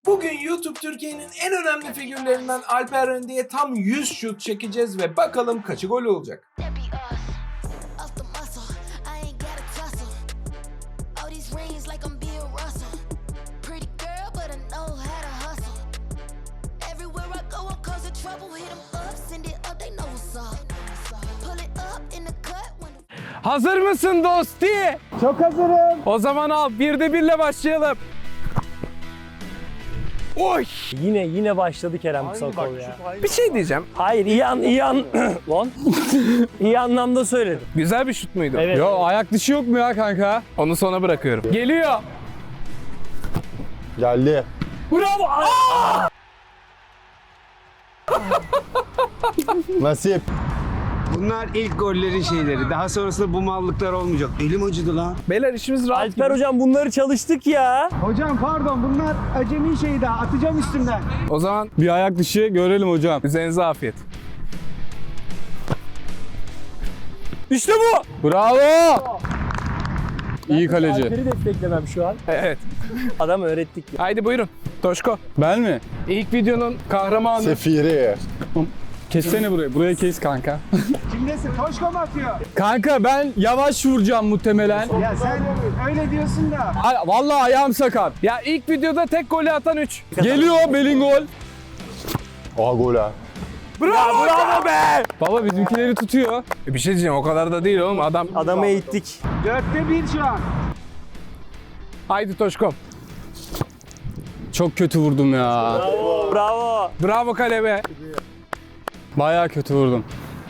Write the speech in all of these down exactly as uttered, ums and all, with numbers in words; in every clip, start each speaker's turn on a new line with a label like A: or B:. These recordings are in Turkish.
A: Bugün YouTube Türkiye'nin en önemli figürlerinden Alper Rende'ye tam yüz şut çekeceğiz ve bakalım kaçı gol olacak. Hazır mısın dosti?
B: Çok hazırım.
A: O zaman al, birde birle başlayalım. Oy!
C: Yine yine başladı Kerem Kısakol ya.
A: Bir şey diyeceğim.
C: Hayır iyi an iyi an lan. İyi anlamda söyledim.
A: Güzel bir şut muydu?
C: Evet.
B: Yo, ayak dışı yok mu ya kanka?
A: Onu sona bırakıyorum. Geliyor.
D: Geldi.
C: Bravo. Aa!
D: Nasip.
E: Bunlar ilk gollerin şeyleri. Daha sonrasında bu mallıklar olmayacak. Elim acıdı lan.
A: Beyler işimiz rahat
C: Alper
A: gibi.
C: hocam bunları çalıştık ya.
E: Hocam pardon bunlar acemi şey daha. Atacağım üstünden.
A: O zaman
B: Bir ayak dışı görelim hocam.
A: üzerinize afiyet.
C: İşte bu.
B: Bravo. İyi kaleci.
C: Alper'i desteklemem şu an.
A: Evet.
C: Adam öğrettik ya.
A: Haydi buyurun. Toşko.
B: Ben mi?
A: İlk videonun kahramanı.
D: Sefiri.
B: Kessene burayı. Buraya kes kanka.
E: Kimdesin? Toşko mu atıyor?
B: Kanka ben yavaş vuracağım muhtemelen.
E: Ya sen öyle diyorsun da.
B: Ay, vallahi ayağım sakat.
A: Ya ilk videoda tek golü atan üç.
B: Geliyor Belingol.
D: Aa gol ha.
A: Bravo, bravo be!
B: Baba bizimkileri tutuyor.
A: E bir şey diyeceğim, o kadar da değil oğlum. Adam...
C: Adamı eğittik.
E: Dörtte bir şu an.
A: Haydi Toşkom.
B: Çok kötü vurdum ya.
C: Bravo. Bravo.
A: Bravo kale be.
B: Bayağı kötü vurdum.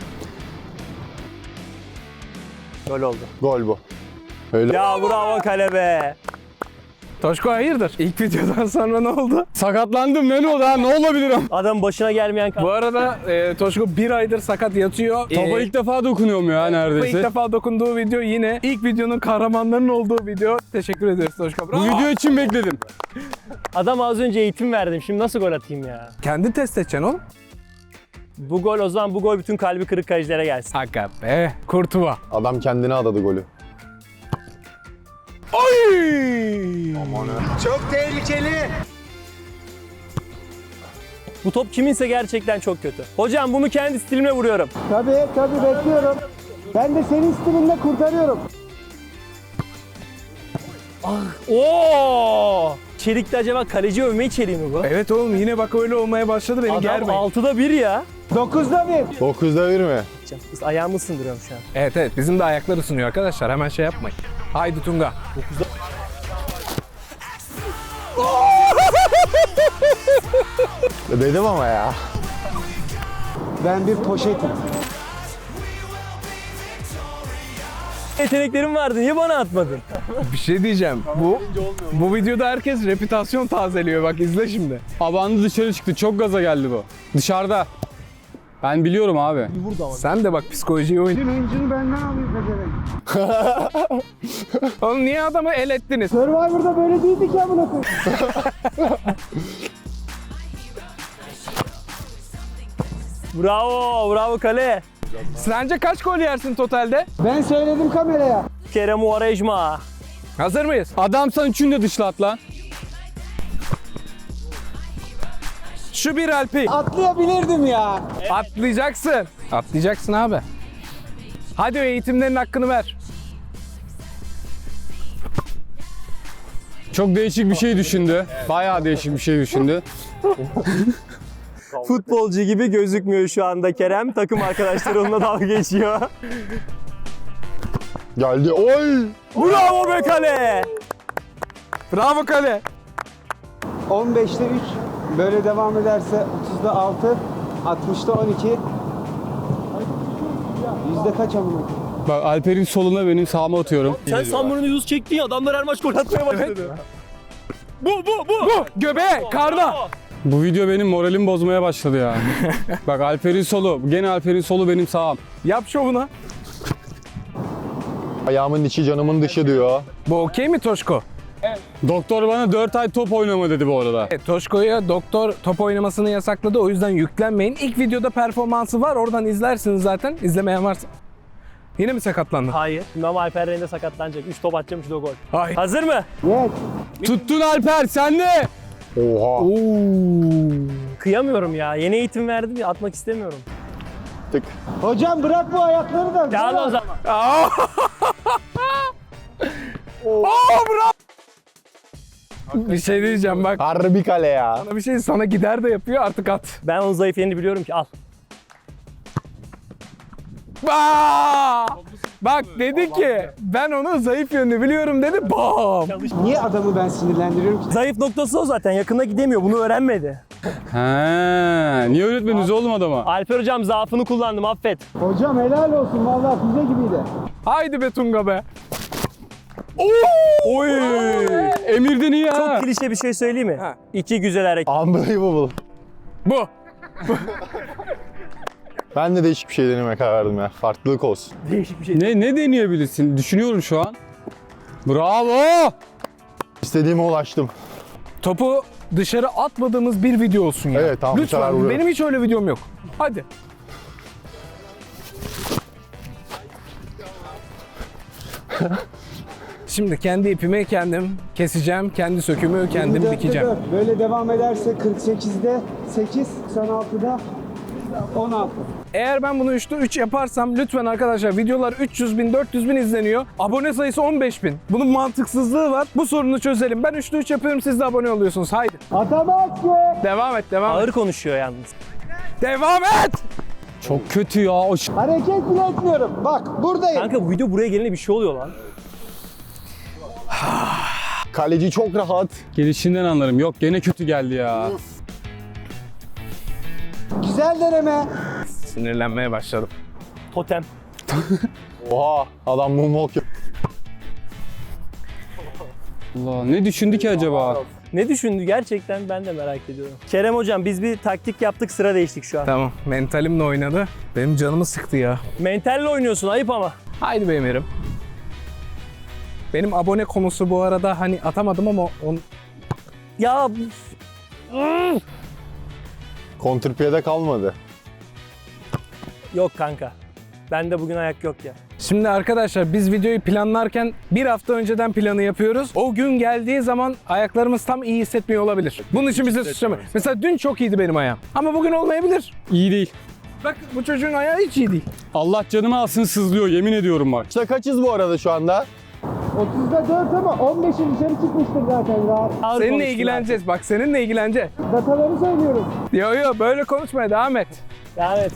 C: Gol oldu.
D: Gol bu. Öyle.
C: Ya bravo kale be.
A: Toşko hayırdır? İlk videodan sonra ne oldu?
B: Sakatlandım ne oldu ha? Ne olabilirim?
C: Adam başına gelmeyen
A: Bu arada e, Toşko bir aydır sakat yatıyor.
B: Topa
A: E,
B: ilk defa dokunuyorum ya
A: ilk
B: neredeyse.
A: defa dokunduğu video yine ilk videonun kahramanlarının olduğu video. Teşekkür ederiz Toşko.
B: Bu
A: Bravo.
B: video için bekledim.
C: Adam az önce eğitim verdim. Şimdi nasıl gol atayım ya?
A: Kendi test edeceksin oğlum.
C: Bu gol o zaman bu gol bütün kalbi kırık kalecilere gelsin.
A: Hakka be. Kurtuva.
D: Adam kendine adadı golü.
A: Oy!
E: Çok tehlikeli.
C: Bu top kiminse gerçekten çok kötü. Hocam bunu kendi stilimle vuruyorum.
E: Tabii tabii bekliyorum. Ben de senin stilinde kurtarıyorum.
C: Oo! Çelik'te acaba kaleci övme içeriği mi bu?
A: Evet oğlum, yine bak öyle olmaya başladı, beni
C: Adam
A: germeyin.
C: altıda bir ya.
E: Dokuzda bir.
D: dokuzda bir mi?
C: Biz ayağımı ısındırıyorum şu an.
A: Evet evet, bizim de ayaklar ısınıyor arkadaşlar, hemen şey yapmayın. Haydi Tunga.
D: Dedim ama ya.
E: Ben bir poşetim.
C: Yeteneklerim vardı. Niye bana atmadın?
A: Bir şey diyeceğim. Bu bu videoda herkes reputasyon tazeliyor, bak izle şimdi.
B: Abandı dışarı çıktı. Çok gaza geldi bu. Dışarıda. Ben biliyorum abi.
A: Sen de bak psikolojiyi oyun.
E: Hıncını benden alayım pezevenk.
A: Oğlum niye adamı el ettiniz?
E: Survivor'da böyle değildi ki amına koyayım.
C: Bravo, bravo kale.
A: Sence kaç gol yersin totalde?
E: Ben söyledim kameraya.
C: Kerem Uarejma.
A: Hazır mıyız?
B: Adamsan üçünü de dışlat lan.
A: Şu bir Alpi.
E: Atlayabilirdim ya.
A: Atlayacaksın. Atlayacaksın abi. Hadi o eğitimlerin hakkını ver.
B: Çok değişik bir şey düşündü. Bayağı değişik bir şey düşündü.
C: Futbolcu gibi gözükmüyor şu anda Kerem. Takım arkadaşları onunla dalga geçiyor.
D: Geldi. Oy!
C: Bravo be kale.
A: Bravo kale.
E: on beşte üç. Böyle devam ederse otuzda altı. altmışta on iki. Yüzde kaç amına koyayım?
B: Bak Alper'in soluna benim sağıma atıyorum.
C: Sen Samur'un yüz çektin ya, adamlar her maç gol atmaya başladı. Bu, bu, bu.
A: Bu göbeğe, karna.
B: Bu video benim moralimi bozmaya başladı ya. Bak Alper'in solu. Gene Alper'in solu benim sağım.
A: Yap şovunu.
D: Ayağımın içi canımın dışı diyor.
A: Bu okey mi Toşko?
B: Doktor bana dört ay top oynama dedi bu arada.
A: Evet, Toşko'ya doktor top oynamasını yasakladı, o yüzden yüklenmeyin. İlk videoda performansı var, oradan izlersiniz zaten. İzlemeyen varsa. Yine mi sakatlandın?
C: Hayır. İmam Alper Rende sakatlanacak. üç top atacağım, üç de gol.
A: Hayır.
C: Hazır mı?
E: Evet.
B: Tuttun Alper sen de.
D: Oha.
C: Kıyamıyorum ya. Yeni eğitim verdim ya, atmak istemiyorum.
D: Tık.
E: Hocam bırak bu ayakları da.
C: Gel o zaman.
A: Bir şey diyeceğim bak.
D: Harbi kale ya.
A: Sana bir şey sana gider de yapıyor artık at.
C: Ben onun zayıf yerini biliyorum ki, al.
A: Aa! Bak dedi ki ben onun zayıf yönünü biliyorum dedi. Bam.
E: Niye adamı ben sinirlendiriyorum ki?
C: Zayıf noktası o zaten. Yakında gidemiyor. Bunu öğrenmedi.
B: He, niye öğretmeniz oğlum adama?
C: Alper hocam zaafını kullandım. Affet.
E: Hocam helal olsun vallahi füze gibiydi.
A: Haydi be Tunga be.
B: Oy! Emir'den iyi ha.
C: Çok klişe bir şey söyleyeyim mi?
A: Ha.
C: İki güzel hareket.
D: Unbelievable.
A: Bu.
D: Ben de değişik bir şey denemeye karar verdim ya. Farklılık olsun.
C: Değişik bir şey.
B: Ne ne deneyebilirsin? Düşünüyorum şu an. Bravo!
D: İstediğime ulaştım.
A: Topu dışarı atmadığımız bir video olsun ya.
D: Evet, tamam, bu sefer
A: Lütfen
D: vuruyorum.
A: benim hiç öyle videom yok. Hadi. Şimdi kendi ipimi kendim keseceğim. Kendi sökümü kendim
E: yirmi dörtte
A: dikeceğim.
E: dört. Böyle devam ederse kırk sekizde sekiz, doksan altıda on altı.
A: Eğer ben bunu üçte üç yaparsam lütfen arkadaşlar videolar üç yüz bin dört yüz bin izleniyor. Abone sayısı on beş bin. Bunun mantıksızlığı var. Bu sorunu çözelim. Ben üçte üç yapıyorum, siz de abone oluyorsunuz. Haydi.
E: Atamaz ki.
A: Devam et, devam
C: Ağır
A: et.
C: konuşuyor yalnız.
A: Devam et!
B: Çok kötü ya. O ş-
E: Hareket bile etmiyorum. Bak buradayım.
C: Kanka bu video buraya gelince bir şey oluyor lan.
D: Kaleci çok rahat.
B: Gelişinden anlarım. Yok gene kötü geldi ya.
E: Güzel deneme.
A: Sinirlenmeye başladım.
C: Totem.
D: Oha. Adam moonwalk yap-
B: Allah ne düşündü ki acaba?
C: Ne düşündü gerçekten, ben de merak ediyorum. Kerem hocam biz bir taktik yaptık, sıra değiştik şu an.
A: Tamam, mentalimle oynadı. Benim canımı sıktı ya.
C: Mentalle oynuyorsun, ayıp ama.
A: Haydi be Emir'im. Benim abone konusu bu arada hani atamadım ama on...
C: Ya
D: Kontrpiyede kalmadı.
C: yok kanka. Bende bugün ayak yok ya.
A: Şimdi arkadaşlar biz videoyu planlarken bir hafta önceden planı yapıyoruz. O gün geldiği zaman ayaklarımız tam iyi hissetmiyor olabilir. Bunun için bize suçlamayın. Mesela dün çok iyiydi benim ayağım. Ama bugün olmayabilir.
B: İyi değil.
A: Bak bu çocuğun ayağı hiç iyi değil.
B: Allah canımı alsın sızlıyor yemin ediyorum bak.
D: İşte kaçız bu arada şu anda?
E: otuzda dört ama on beşi dışarı çıkmıştır zaten rahat.
C: Ağır
A: Seninle
C: konuştun
A: ilgileneceğiz. Bak seninle ilgileneceğiz.
E: Dataları söylüyorum.
A: Yo yo böyle konuşmaya devam et.
C: abi. Evet.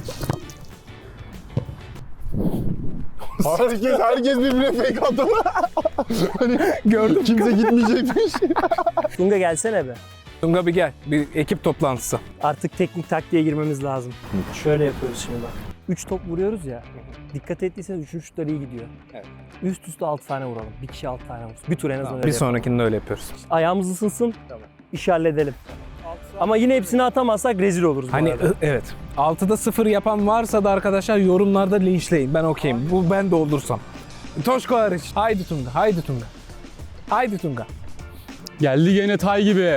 D: Herkes, herkes birbirine fake attı. Hani
A: Gördüm.
D: kimse gitmeyecekmiş.
C: Tunga gelsene be.
A: Tunga bir gel. Bir ekip toplantısı.
C: Artık teknik taktiğe girmemiz lazım. Şöyle yapıyoruz şimdi bak. üç top vuruyoruz ya. Dikkat ettiyseniz üçüncü şutlar iyi gidiyor.
A: Evet.
C: Üst üste altı tane vuralım. Bir kişi altı tane vursun. Bir tur en azından
A: Tamam,
C: öyle
A: bir
C: yapalım.
A: sonrakinde öyle yapıyoruz.
C: Ayağımız ısınsın. İşi halledelim. Ama yine hepsini atamazsak rezil oluruz bu
A: Hani
C: arada.
A: ı- evet. altıda sıfır yapan varsa da arkadaşlar yorumlarda linçleyin. Ben okeyim. Bu ben de oldursam. Toşko hariç. Haydi Tunga. Haydi Tunga. Haydi Tunga.
B: Geldi gene tay gibi.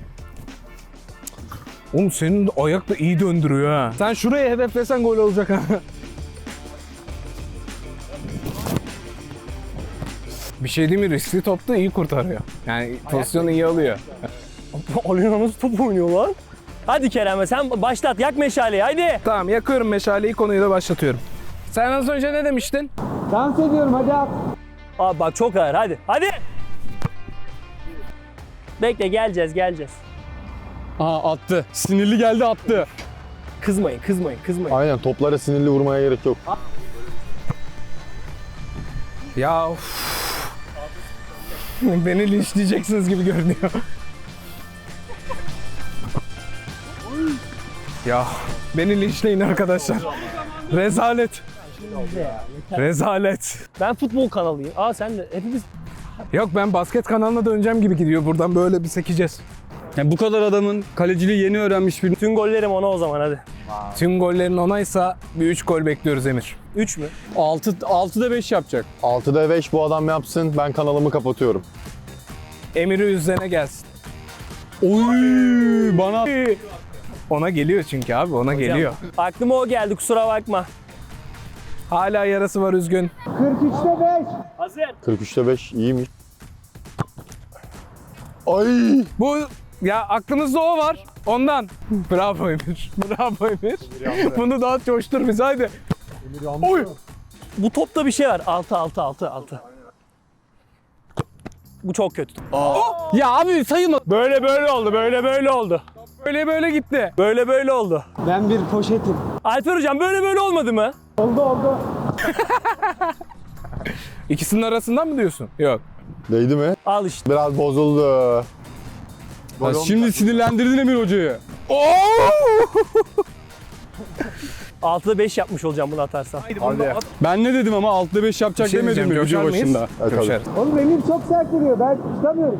A: Oğlum senin de ayak da iyi döndürüyor ha. Sen şuraya hedeflesen gol olacak ha. Bir şey değil mi? Riskli topta iyi kurtarıyor. Yani pozisyonu iyi alıyor.
C: Alina nasıl top oynuyor lan? Hadi Kerem sen başlat, yak meşaleyi haydi.
A: Tamam yakıyorum meşaleyi, konuyu da başlatıyorum. Sen az önce ne demiştin?
E: Dans ediyorum hadi at.
C: Abi bak çok ağır, hadi hadi. Bekle, geleceğiz geleceğiz.
B: Aha attı. Sinirli geldi attı.
C: Kızmayın kızmayın kızmayın.
D: Aynen, toplara sinirli vurmaya gerek yok.
A: Ya of. Beni linçleyeceksiniz gibi görünüyor. Ya beni linçleyin arkadaşlar. Rezalet. Rezalet.
C: Ben futbol kanalıyım. Aa sen de hepimiz.
A: Yok ben basket kanalına döneceğim gibi gidiyor. Buradan böyle bir sekeceğiz.
B: Yani bu kadar adamın kaleciliği yeni öğrenmiş bir...
C: Bütün gollerim ona o zaman hadi.
A: Tüm gollerin onaysa bir üç gol bekliyoruz Emir.
C: üç mü?
B: altı, altıda beş yapacak.
D: altıda beş bu adam yapsın, ben kanalımı kapatıyorum.
A: Emir'i üzerine gelsin.
B: Oy bana...
A: Ona geliyor çünkü abi, ona geliyor.
C: Aklıma o geldi, kusura bakma.
A: Hala yarası var, üzgün.
E: kırk üçte beş.
C: Hazır.
D: kırk üçte beş iyiymiş. Ay!
A: Bu Ya aklımızda o var. Ondan. Bravo Emir. Bravo Emir. Bunu daha coştur bizi hadi. Oy.
C: Bu topta bir şey var. altı altı altı altı. Bu çok kötü.
B: Ya abi sayılma.
C: Böyle böyle oldu. Böyle böyle oldu.
A: Böyle böyle gitti.
C: Böyle böyle oldu.
E: Ben bir poşetim.
C: Alper hocam böyle böyle olmadı mı?
E: Oldu oldu.
A: İkisinin arasından mı diyorsun? Yok.
D: Değdi mi?
C: Al işte.
D: Biraz bozuldu.
B: Ya şimdi sinirlendirdin Emir hocayı.
C: altıda beş yapmış olacağım bunu atarsan.
D: Hadi.
B: Ben ne dedim ama altıda beş yapacak
A: Bir şey
B: demedim mi
A: diyeceğim,
B: video
A: coşar mıyız?
B: başında?
D: Evet,
A: Coşarız.
E: Oğlum elim çok sert vuruyor. Ben tutamıyorum.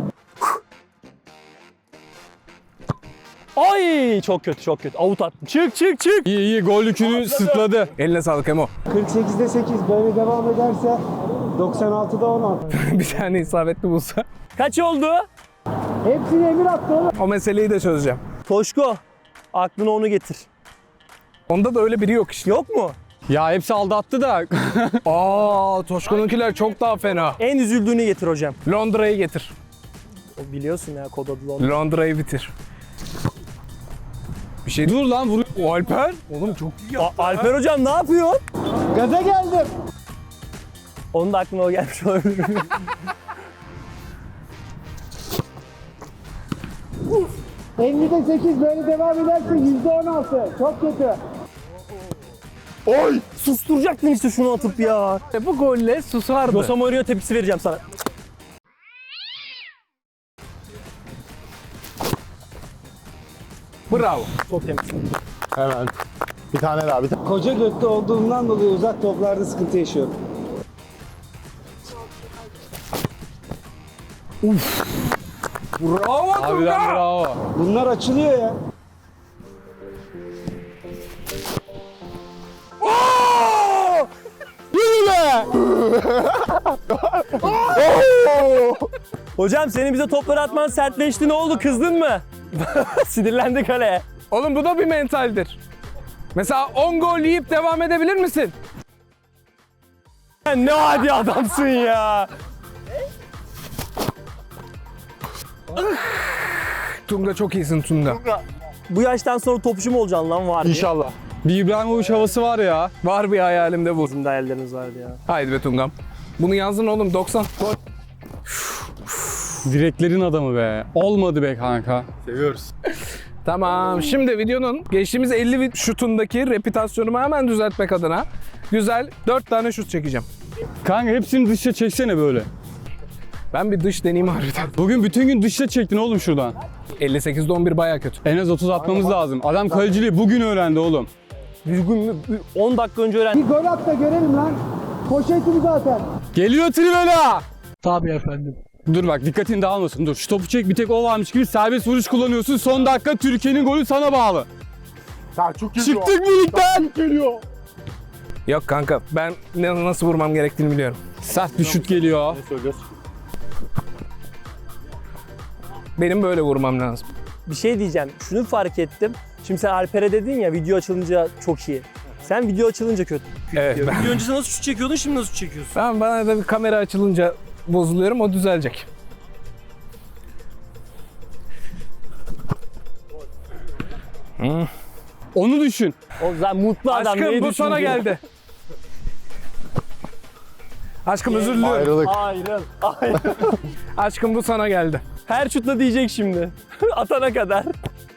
C: Ay çok kötü çok kötü. Avut attım. Çık çık çık.
B: İyi iyi gol yükünü sırtladı.
A: Eline sağlık Emo.
E: kırk sekizde sekiz böyle devam ederse doksan altıda on altı.
A: Bir tane isabetli bulsa.
C: Kaç oldu?
E: Hepsini Emir attı oğlum.
A: O meseleyi de çözeceğim.
C: Toşko. Aklına onu getir.
A: Onda da öyle biri yok işte.
C: Yok mu?
B: Ya hepsi aldattı da.
A: Aa, Toşko'nunkiler çok daha fena.
C: En üzüldüğünü getir hocam.
A: Londra'yı getir.
C: O biliyorsun ya kod adı Londra.
A: Londra'yı bitir. Bir şey
B: Dur lan vur.
A: O Alper. Oğlum çok iyi.
C: A- Alper hocam ne yapıyor?
E: Gaza geldim.
C: Onun da aklına o gelmiş olabilir.
E: ellide sekiz böyle devam ederse yüzde on altı. Çok kötü.
D: Oy!
C: Susturacaktın işte şunu atıp ya.
A: E, Bu golle susardı.
C: Jose Mourinho tepkisi vereceğim sana.
A: Bravo.
C: Çok temiz.
D: Hemen. Bir tane daha bir tane.
E: Koca götlü olduğumdan dolayı uzak toplarda sıkıntı yaşıyorum.
A: Bravo
B: Harbiden
A: Tunga.
B: bravo.
E: Bunlar açılıyor ya.
B: Yürü be!
C: Hocam senin bize topları atman sertleşti ne oldu kızdın mı? Sinirlendi kaleye.
A: Oğlum bu da bir mentaldir. Mesela on gol yiyip devam edebilir misin?
C: Sen ne adi adamsın ya.
A: Tunga çok iyisin Tunga.
C: Bu yaştan sonra topçu mu olacaksın lan var diye.
D: İnşallah.
B: Bir İbrahimovic havası var ya.
A: Var bir hayalimde bu.
C: Bizim de hayallerimiz vardı ya.
A: Haydi be Tungam. Bunu yazdın oğlum doksan. Gol.
B: Direklerin adamı be. Olmadı be kanka.
D: Seviyoruz.
A: Tamam. Şimdi videonun geçtiğimiz elli şutundaki reputasyonumu hemen düzeltmek adına güzel dört tane şut çekeceğim.
B: Kanka hepsini dışa çeksene böyle.
A: Ben bir dış deneyim harbiden.
B: Bugün bütün gün dışa çektin oğlum şuradan.
A: elli sekizde on bir baya kötü.
B: En az otuz atmamız lazım. Adam kaleciliği bugün öğrendi oğlum.
C: Düzgün mü? on dakika önce öğrendim.
E: Bir gol at da görelim lan. Poşetim zaten.
B: Geliyor Trivela.
C: Tabii efendim.
B: Dur bak dikkatin dağılmasın. Dur şu topu çek bir tek o varmış gibi serbest vuruş kullanıyorsun. Son dakika Türkiye'nin golü sana bağlı.
D: Selçuk geliyor.
B: Çıktık mı ligden?
D: Geliyor.
A: Yok kanka ben ne, nasıl vurmam gerektiğini biliyorum.
B: Sert bir şut geliyor.
A: Benim böyle vurmam lazım.
C: Bir şey diyeceğim. Şunu fark ettim. Şimdi sen Alper'e dedin ya video açılınca çok iyi. Sen video açılınca kötü.
A: Evet
C: diyor.
A: ben,
C: Video öncesi nasıl şut çekiyordun şimdi nasıl şut çekiyorsun?
A: ben bana da bir kamera açılınca bozuluyorum o düzelecek.
B: Onu düşün.
C: O zaten mutlu adam.
A: Aşkım
C: neyi
A: bu sana
C: düşündüğünü-
A: geldi. Aşkım özür diliyorum.
D: Ayrılık.
C: Ayrıl. Ayrıl.
A: Aşkım bu sana geldi.
C: Her şutla diyecek şimdi. Atana kadar.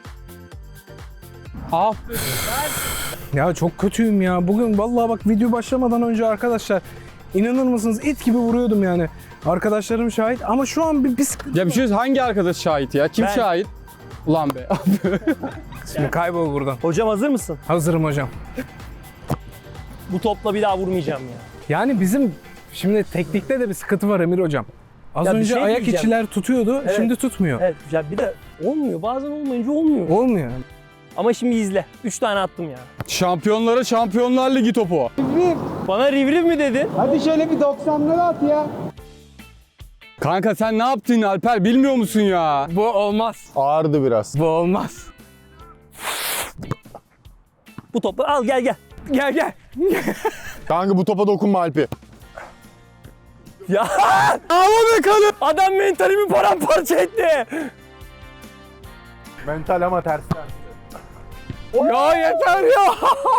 B: Al.
A: Ya çok kötüyüm ya. Bugün vallahi bak video başlamadan önce arkadaşlar inanır mısınız it gibi vuruyordum yani. Arkadaşlarım şahit ama şu an bir, bir sıkıntı.
B: Ya bir şey hangi arkadaş şahit ya? Kim
C: Ben.
B: şahit? Ulan be.
A: Şimdi kaybol buradan.
C: Hocam hazır mısın?
A: Hazırım hocam.
C: Bu topla bir daha vurmayacağım ya.
A: Yani bizim şimdi teknikte de bir sıkıntı var Emir hocam. Az
C: Ya bir
A: önce
C: şey
A: ayak
C: diyeceğim.
A: içiler tutuyordu,
C: Evet.
A: şimdi tutmuyor.
C: Evet ya bir de olmuyor. Bazen olmayınca olmuyor.
A: Olmuyor.
C: Ama şimdi izle. Üç tane attım ya.
B: Şampiyonlara Şampiyonlar Ligi topu.
E: Rivriv.
C: Bana rivriv mi dedin?
E: Hadi şöyle bir doksanları at ya.
B: Kanka sen ne yaptın Alper bilmiyor musun ya?
A: Bu olmaz.
D: Ağırdı biraz.
A: Bu olmaz.
C: Bu topu al gel gel.
A: Gel gel.
D: Kanka bu topa dokunma Alpi.
C: Ya
B: Ama be kanı.
C: adam mentalimi paramparça etti.
D: Mental ama tersten.
A: Ya yeter ya.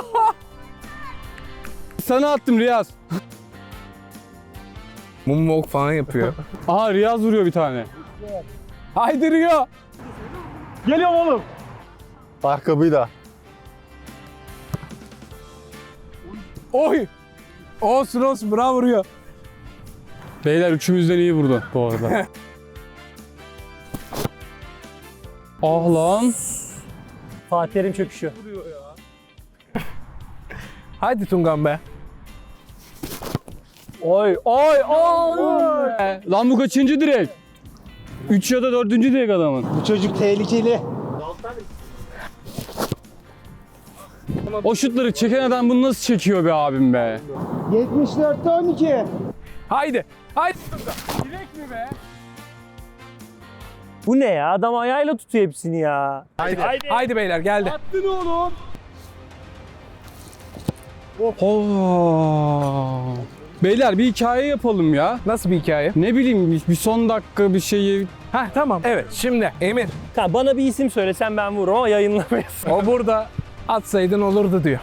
B: Sana attım Riyaz.
A: Moonwalk falan yapıyor.
B: Aha Riyaz vuruyor bir tane.
A: Haydi Rio.
B: Geliyorum oğlum.
D: Ayakkabıyı da.
A: Oy. Olsun olsun bravo Rio.
B: Beyler üçümüzden iyi vurdu bu arada. Ah lan.
C: Fatih Terim çöküşüyor.
A: Haydi Tungan be.
C: Oy oy oy.
B: E, Lan bu kaçıncı direk? Üç ya da dördüncü direk adamın.
E: Bu çocuk tehlikeli.
B: O şutları çeken adam bunu nasıl çekiyor be abim be?
E: yetmiş dörtte on iki.
A: Haydi. Haydi Tungan. Direkt mi be?
C: Bu ne ya? Adam ayağıyla tutuyor hepsini ya.
A: Haydi. Haydi beyler geldi.
B: Allah. Beyler bir hikaye yapalım ya.
A: Nasıl bir hikaye?
B: Ne bileyim bir- bir son dakika bir şeyi.
A: Heh tamam. Evet şimdi Emir.
C: Ha, bana bir isim söylesen ben vururum ama yayınlamayız.
A: O burada atsaydın olurdu diyor.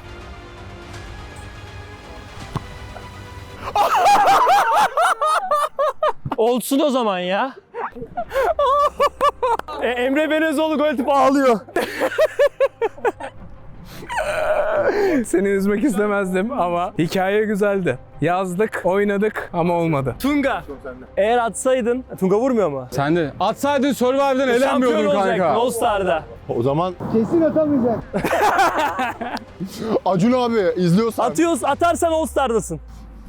C: Olsun o zaman ya. e, Emre Belözoğlu gol atıp ağlıyor.
A: Seni üzmek istemezdim ama hikaye güzeldi. Yazdık, oynadık ama olmadı.
C: Tunga. Eğer atsaydın, Tunga vurmuyor mu?
B: Sen de atsaydın Survivor'dan
C: Şampiyon
B: elenmiyordun
C: olacaktın
B: kanka.
C: All Star'da.
D: O zaman
E: Kesin atamayacak.
D: Acun abi izliyorsan.
C: Atıyoruz, atarsan All Star'dasın.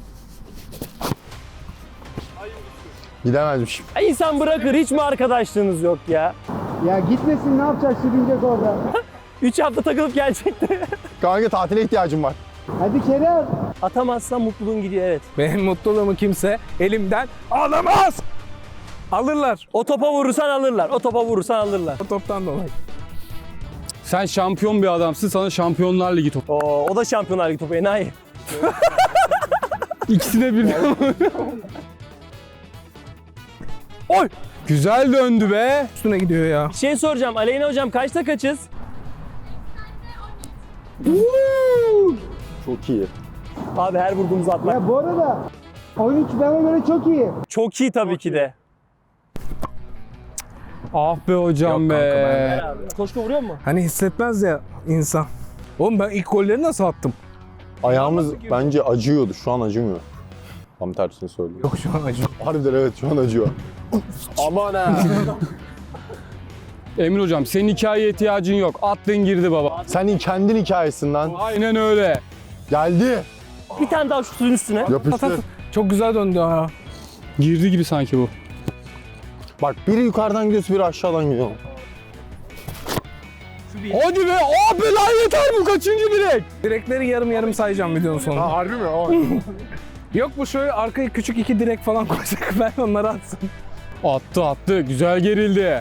D: Gidemezmiş.
C: Ya İnsan bırakır, hiç mi arkadaşlığınız yok ya?
E: Ya gitmesin ne yapacak sürünecek orada.
C: Üç hafta takılıp gelecekti.
D: Kanka tatile ihtiyacım var.
E: Hadi Kerem.
C: Atamazsan mutluluğun gidiyor, evet.
A: Benim mutluluğumu kimse elimden alamaz. Alırlar.
C: O topa vurursan alırlar, o topa vurursan alırlar.
A: O toptan dolayı.
B: Sen şampiyon bir adamsın, sana Şampiyonlar Ligi topu.
C: Oo, o da Şampiyonlar Ligi topu, enayi.
B: İkisine birden. Oy! Güzel döndü be.
A: Üstüne gidiyor ya.
C: Bir şey soracağım, Aleyna hocam kaçta kaçız?
D: Çok iyi.
C: Abi her vurduğumuzu atmak.
E: Ya bu arada on üç bana göre çok iyi.
C: Çok iyi tabii ki de.
B: Ah be hocam
A: Yok
B: be.
A: kanka,
C: Koşku vuruyor mu?
A: Hani hissetmez ya insan. Oğlum ben ilk golleri nasıl attım?
D: Ayağımız bence acıyordu. Şu an acımıyor. Tam tersini söylüyor.
A: Yok şu an acıyor.
D: Harbiden evet şu an acıyor. Aman ha.
B: Emir hocam senin hikayeye ihtiyacın yok. Attın girdi baba.
D: Senin kendin hikayesinden.
B: Aynen öyle.
D: Geldi.
C: Bir tane daha şutun üstüne.
D: Yapıştır.
A: Çok güzel döndü ha.
B: Girdi gibi sanki bu.
D: Bak biri yukarıdan gidiyorsa biri aşağıdan gidiyor.
B: Hadi be. Abi lan yeter bu kaçıncı direk?
A: Direkleri yarım yarım sayacağım videonun sonunda.
D: harbi mi? Aa.
A: Yok bu şöyle arkaya küçük iki direk falan koyacak ben onları atsın.
B: Attı attı. Güzel gerildi.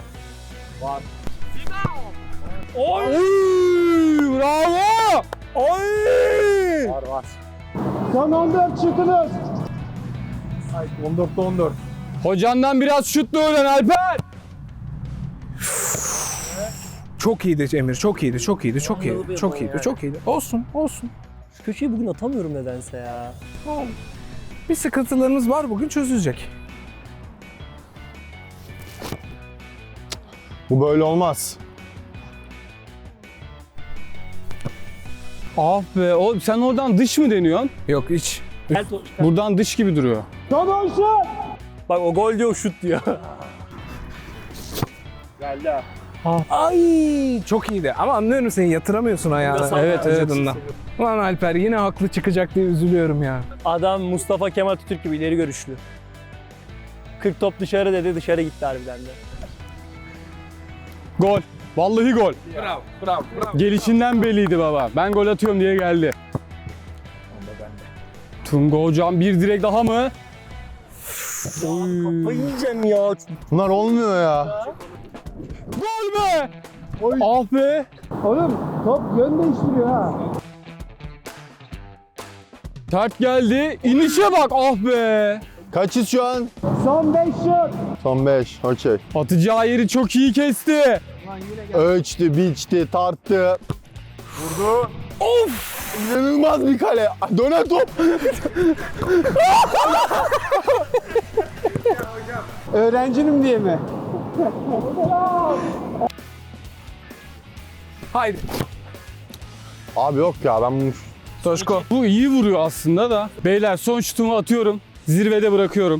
C: Oy!
B: Oy! Bravo!
C: Oy!
D: Var var.
E: Son on dört şutunuz.
D: on dörtte on dört.
B: Hocandan biraz şutla öğren Alper.
A: Çok iyiydi Emir, çok iyiydi, çok iyiydi, çok iyiydi, çok iyiydi, çok iyiydi. Olsun, olsun.
C: Şu köşeyi bugün atamıyorum nedense ya.
A: Bir sıkıntılarımız var bugün çözülecek.
D: Bu böyle olmaz.
B: Ah be. O, sen oradan dış mı deniyorsun?
A: Yok hiç.
C: Gel to-
B: Buradan dış gibi duruyor.
E: Son on şut.
C: Bak o gol diyor, şut diyor.
A: Ay çok iyiydi ama anlıyorum seni yatıramıyorsun ayağını.
C: Biraz
B: Evet, evet.
A: vücudundan. Ulan Alper yine haklı çıkacak diye üzülüyorum ya.
C: Adam Mustafa Kemal Atatürk gibi ileri görüşlü. kırk top dışarı dedi, dışarı gitti harbiden de.
B: Gol. Vallahi gol.
A: Bravo, bravo, bravo.
B: Gelişinden belliydi baba. Ben gol atıyorum diye geldi. Tunga hocam bir direk daha mı?
C: Kafayı yiyeceğim ya.
D: Bunlar olmuyor ya.
B: Gol be! Ah be!
E: Oğlum top yön değiştiriyor ha.
B: Tert geldi. İnişe bak ah be!
D: Kaçız şu an?
E: Son beş şut.
D: Son beş. Okey.
B: Atacağı yeri çok iyi kesti.
D: Ölçtü, biçti, tarttı. Vurdu. Of! İnanılmaz bir kale. Dönen top.
E: Öğrencinim diye mi?
A: Haydi.
D: Abi yok ya ben bunu...
A: Toşko.
B: Bu iyi vuruyor aslında da. Beyler son şutumu atıyorum. Zirvede bırakıyorum.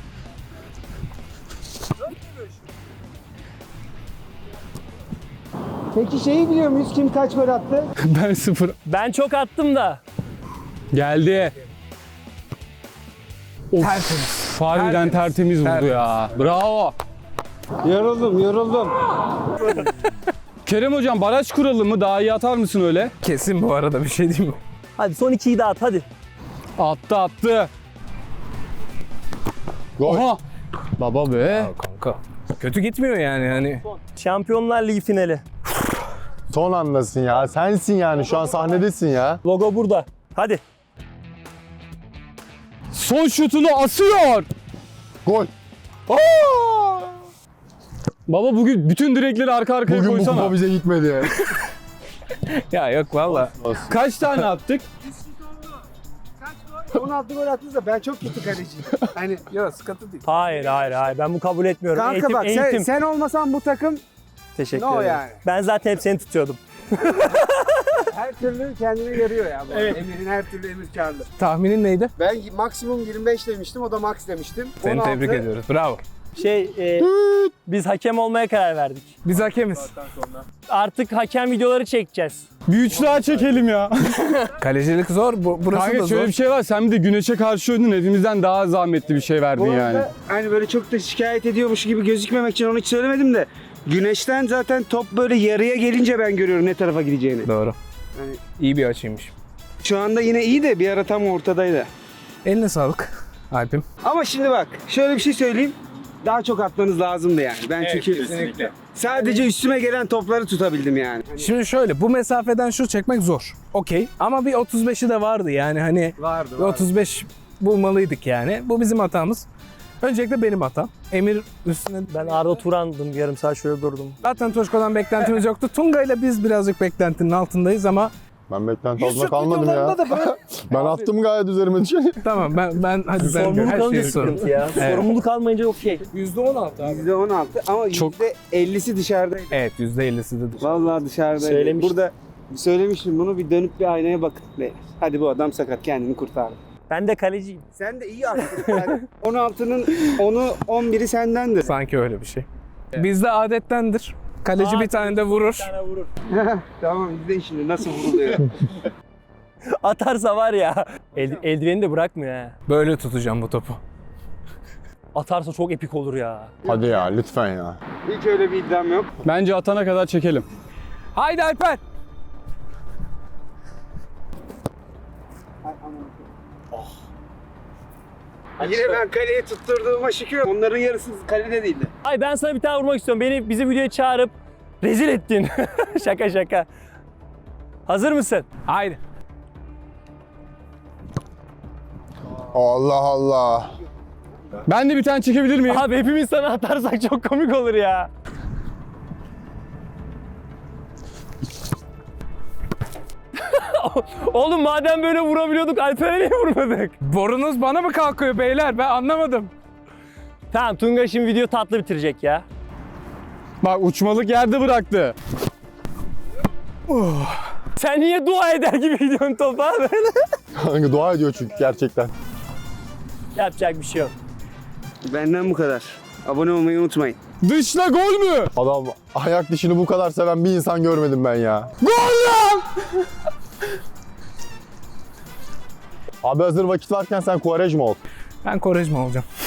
E: Peki şeyi biliyor muyuz? Kim kaç gol attı?
B: Ben sıfır.
C: Ben çok attım da.
B: Geldi. Of.
A: Tertemiz.
B: Harbiden tertemiz vurdu
A: Tertemiz.
B: ya. Bravo.
E: Yoruldum, yoruldum.
B: Kerem hocam baraj kuralım mı? Daha iyi atar mısın öyle?
A: Kesin bu arada bir şey diyeyim mi?
C: Hadi son ikiyi de at hadi.
B: Attı attı.
D: Gol.
B: Oha. Baba be.
A: Kanka. Kötü gitmiyor yani hani.
C: Şampiyonlar Ligi finali.
D: Son andasın ya. Sensin yani. Şu an sahnedesin ya.
C: Logo burada. Hadi.
B: Son şutunu asıyor.
D: Gol.
B: Baba bugün bütün direkleri arka arkaya
D: Bugün bu
B: koysana.
D: kupa bize gitmedi.
A: Ya yok valla.
B: Kaç tane attık?
E: on altı gol attınız da ben çok kötü kaleciyim. Hani
A: Yok sıkıntı değil.
C: Hayır hayır hayır ben bu kabul etmiyorum.
E: kanka
C: eğitim,
E: bak sen,
C: eğitim.
E: sen olmasan bu takım
C: Teşekkür
E: ne o
C: ederim.
E: yani?
C: Ben zaten hep seni tutuyordum.
E: Her türlü kendine yarıyor ya. Bu
C: Evet.
E: Emir'in her türlü Emir karlı.
A: Tahminin neydi?
E: Ben maksimum yirmi beş demiştim, o da max demiştim.
A: Seni
E: on altı.
A: tebrik ediyoruz. Bravo.
C: Şey e, biz hakem olmaya karar verdik.
A: Biz hakemiz.
C: Artık hakem videoları çekeceğiz.
B: Bir üç daha çekelim ya.
A: Kalecilik zor. Bu, burası
B: Kanka
A: da
B: şöyle
A: zor.
B: bir şey var. Sen bir de güneşe karşı oynadın. Hepimizden daha zahmetli bir şey verdin
E: Bu arada
B: yani.
E: hani böyle çok da şikayet ediyormuş gibi gözükmemek için onu hiç söylemedim de güneşten zaten top böyle yarıya gelince ben görüyorum ne tarafa gideceğini.
A: Doğru.
E: Yani
A: İyi bir açıymış.
E: şu anda yine iyi de bir ara tam ortadaydı.
A: Eline sağlık Alp'im.
E: Ama şimdi bak şöyle bir şey söyleyeyim. Daha çok atmanız lazımdı yani. Ben çünkü
A: kesinlikle.
E: sadece üstüme gelen topları tutabildim yani.
A: Şimdi şöyle bu mesafeden şut çekmek zor. Okey. Ama bir otuz beşi de vardı yani hani.
E: Vardı
A: Bir otuz beş bulmalıydık yani. Bu bizim hatamız. Öncelikle benim hatam. Emir üstüne...
C: Ben Arda Turan'dım yarım saat şöyle durdum.
A: Zaten Toşko'dan beklentimiz yoktu. Tunga ile biz birazcık beklentinin altındayız ama
D: Ben beklenti
A: Yusuf
D: altında kalmadım ya.
A: videolarında da böyle...
D: Ben attım gayet üzerime düşeni.
A: Tamam ben ben hadi ben
C: Sorumluluk
A: her
C: alınca
A: şeyi sorun.
C: sıkıntı ya.
A: Evet.
C: Sorumluluk almayınca okey.
A: yüzde on altı abi.
E: yüzde on altı ama
B: Çok-
E: yüzde ellisi dışarıdaydı.
A: Evet yüzde ellisi de dışarı.
E: Vallahi dışarıdaydı.
C: Söylemiştim.
E: Burada söylemiştim bunu, bir dönüp bir aynaya bakın. beyler. Hadi bu adam sakat, kendini kurtardı.
C: Ben de kaleciyim.
E: Sen de iyi attın. Yani on altının onu on biri sendendir.
A: Sanki öyle bir şey. Bizde adettendir. Kaleci bir tane de vurur.
C: Bir tane vurur.
E: Tamam, izleyin şimdi nasıl vuruluyor.
C: Atarsa var ya. El, eldiveni de bırakmıyor ha.
A: Böyle tutacağım bu topu.
C: Atarsa çok epik olur ya.
D: Hadi ya lütfen ya.
E: Hiç öyle bir iddiam yok.
B: Bence atana kadar çekelim.
A: Haydi Alper.
E: Yine ben kaleye tutturduğuma şükür. Onların yarısı kalede değildi.
C: Ay ben sana bir tane vurmak istiyorum. Beni bizi videoya çağırıp rezil ettin. Şaka şaka. Hazır mısın?
A: Haydi.
D: Allah Allah.
B: Ben de bir tane çekebilir miyim?
C: Abi hepimiz sana atarsak çok komik olur ya. Oğlum madem böyle vurabiliyorduk Alper'e niye vurmadık?
A: Borunuz bana mı kalkıyor beyler? Ben anlamadım.
C: Tamam Tunga şimdi video tatlı bitirecek ya.
B: Bak uçmalık yerde bıraktı.
C: Sen niye dua eder gibi gidiyorsun topa böyle?
D: Kanka dua ediyor çünkü gerçekten.
C: Yapacak bir şey yok.
E: Benden bu kadar. Abone olmayı unutmayın.
B: Dışla gol mü?
D: Adam ayak dişini bu kadar seven bir insan görmedim ben ya.
B: Gol lan!
D: Abi hazır vakit varken sen Quaresma ol.
A: Ben Quaresma olacağım.